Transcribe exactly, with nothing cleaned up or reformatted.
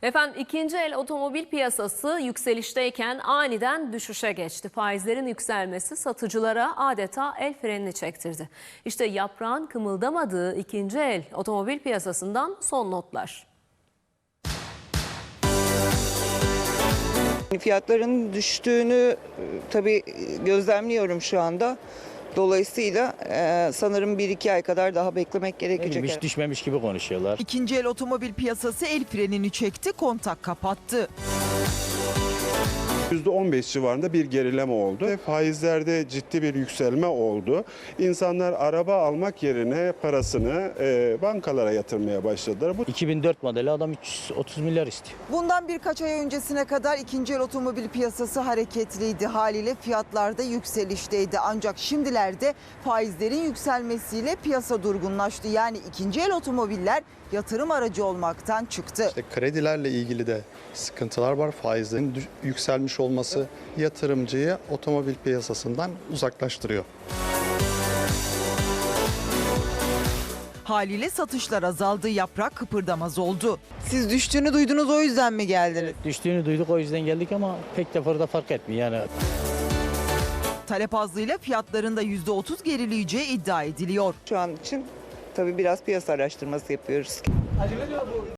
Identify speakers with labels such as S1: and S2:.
S1: Efendim ikinci el otomobil piyasası yükselişteyken aniden düşüşe geçti. Faizlerin yükselmesi satıcılara adeta el frenini çektirdi. İşte yaprağın kımıldamadığı ikinci el otomobil piyasasından son notlar.
S2: Fiyatların düştüğünü tabii gözlemliyorum şu anda. Dolayısıyla e, sanırım bir iki ay kadar daha beklemek gerekecek.
S3: Hiç düşmemiş gibi konuşuyorlar.
S4: İkinci el otomobil piyasası el frenini çekti, kontak kapattı.
S5: yüzde on beş civarında bir gerileme oldu. Faizlerde ciddi bir yükselme oldu. İnsanlar araba almak yerine parasını e, bankalara yatırmaya başladılar. Bu
S3: iki bin dört modeli adam üç yüz otuz milyar istiyor.
S4: Bundan birkaç ay öncesine kadar ikinci el otomobil piyasası hareketliydi. Haliyle fiyatlarda yükselişteydi. Ancak şimdilerde faizlerin yükselmesiyle piyasa durgunlaştı. Yani ikinci el otomobiller yatırım aracı olmaktan çıktı.
S6: İşte kredilerle ilgili de sıkıntılar var. Faizlerin yükselmiş olması yatırımcıyı otomobil piyasasından uzaklaştırıyor.
S4: Haliyle satışlar azaldı, yaprak kıpırdamaz oldu. Siz düştüğünü duydunuz, o yüzden mi geldiniz?
S3: Düştüğünü duyduk, o yüzden geldik ama pek de burada fark etmiyor yani.
S4: Talep azlığıyla fiyatların da yüzde otuz gerileyeceği iddia ediliyor.
S2: Şu an için tabii biraz piyasa araştırması yapıyoruz.